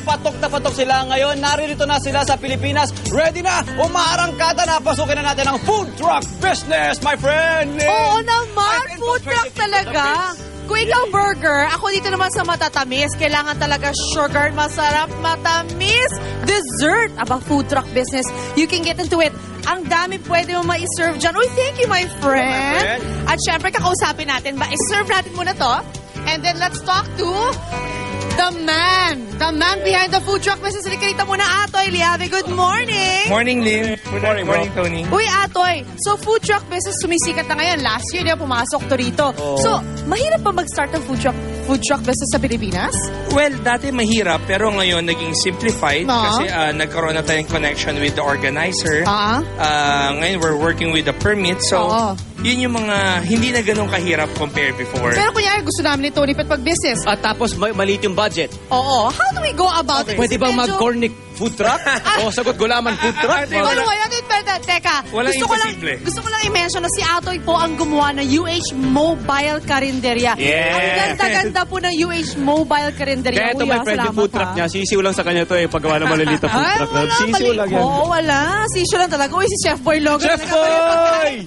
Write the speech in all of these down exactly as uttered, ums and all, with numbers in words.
patok na patok sila ngayon. Naririto na sila sa Pilipinas. Ready na, umaarangkada na. Pasukin na natin ang food truck business, my friend. Oo naman, food truck talaga. Kung ikaw burger, ako dito naman sa matatamis. Kailangan talaga sugar, masarap, matamis. Dessert. Aba, food truck business. You can get into it. Ang dami pwede mo ma-serve dyan. Uy, thank you, my friend. At syempre, kakausapin natin. Ma-serve natin muna to. And then, let's talk to the man. The man behind the food truck business. Halika muna, Atoy Liave. Good morning. Morning, Lynn. Good morning, morning, Tony. Uy, Atoy. So, food truck business sumisikat na ngayon. Last year, di ba, pumasok to rito. Oh. So, mahirap pa mag-start ng food truck food truck business sa Pilipinas? Well, dati mahirap, pero ngayon naging simplified No. kasi uh, nagkaroon na tayong connection with the organizer. Ah. Uh, ngayon, we're working with the permit. So, Oo. yun yung mga hindi na ganun kahirap compared before. Pero kunyari, gusto namin ni Tony Pet pag-business. At tapos ma- maliit yung budget. Oo. How do we go about it? Pwede bang Medyo- mag-cornic food truck? O sagot gulaman food truck? Ate, Ano wala. ba yan? Pero, teka, Walang gusto ko lang, imposible. gusto ko lang i-mention na si Atoy po ang gumawa ng U H Mobile Carinderia. Yeah. Ang ganda-ganda po ng U H Mobile Carinderia. Kaya ito, Kuya, my friend, yung salamat, food truck ha. niya. Sisiw lang sa kanya to eh. Paggawa ng maliliit na food Ay, truck. wala. Sisiw Mali. lang yan. Oo, wala. Sisiw lang talaga. Uy, si Chef Boy Logan. Chef talaga pala yung Boy! pagkain.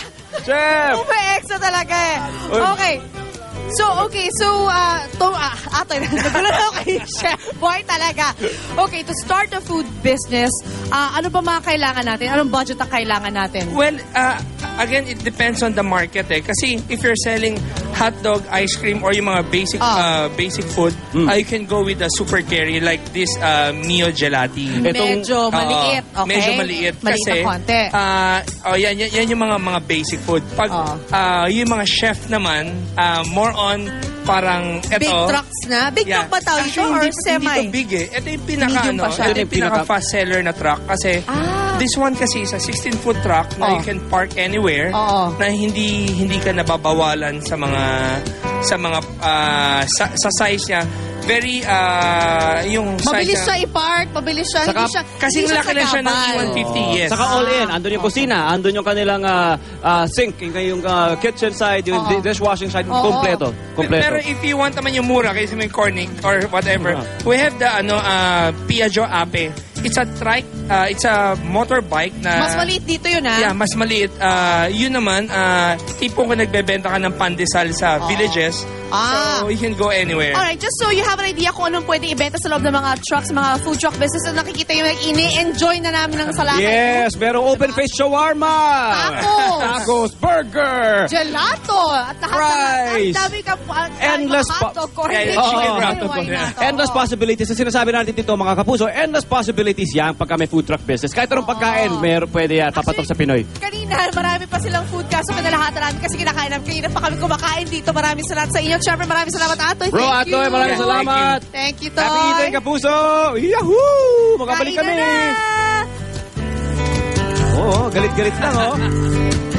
Chef! Ume-extra talaga eh. Uy. Okay. So, okay. So, uh, to, uh, atoy, nagulat ako kay Chef Boy talaga. Okay, to start a food business, uh, ano ba mga kailangan natin? Anong budget ang kailangan natin? Well, uh, again, it depends on the market eh. Kasi if you're selling hot dog, ice cream, or yung mga basic Ah. uh, basic food, Mm. uh, you can go with the super carry like this uh, Mio Gelati. Itong- medyo maliit. Oo, Okay? Medyo maliit. Maliit kasi, na konti. ah, oh, yan, yan, yan yung mga mga basic food. Pag Oo. ah, yung mga chef naman, ah, more on parang eto. Big trucks na? Big truck ba tawag ito? Actually, Or hindi, semi? Hindi to big eh. Ito yung pinaka, Medium ano, pa siya. ito yung Ito yung pinaka pinaka- fast seller na truck. Kasi Ah. this one kasi is a sixteen foot truck na Oh. you can park anywhere. Oo. Na hindi hindi ka nababawalan sa mga sa mga ah, sa, sa size niya. Very ah, yung Mabilis size siya i-park, mabilis siya. Saka- hindi siya kasi hindi siya laki lang siya ng sagabal. E one fifty, yes. Saka all in. Andun yung kusina, andun yung kanilang ah, ah, sink, yung, yung ah, kitchen side, yung Oo. dishwashing side, Oo. kompleto. Kompleto. Pero if you want naman yung mura kasi may cornic or whatever, Ah. we have the ano uh, Piaggio Ape. It's a trike, uh, it's a motorbike na Mas maliit dito yun, ha? Yeah, mas maliit. Uh, yun naman, uh, tipong kung nagbebenta ka ng pandesal sa villages, Ah. so you can go anywhere. Alright, just so you have an idea kung anong pwede ibenta sa loob ng mga trucks, mga food truck business na nakikita yung ini-enjoy na namin ng salakay. Yes, merong open-face shawarma. Tacos. Tacos, burger. Gelato. At lahat Fries. ang dami ka po. ang dami Endless mga pa- hotdog, corn Yeah, beef. yeah, chicken Ay, wrap. why not? Endless Oo. possibilities. Ang sinasabi natin dito, mga kapuso, endless possibilities yan pagka may food truck business. Kahit anong pagkain, meron pwede yan. Papatok sa Pinoy. Kanina, marami pa silang food kaso pinalahatan namin kasi kinakain namin. Kanina pa kami kumakain dito. Maraming salamat sa inyo. Siyempre, maraming salamat, Atoy. Bro, Thank you. Atoy, maraming Yeah, salamat. Thank you, Toy. Happy eating, kapuso. Yahoo! Makabalik Kain kami. na na. Oo, galit-galit lang, oh.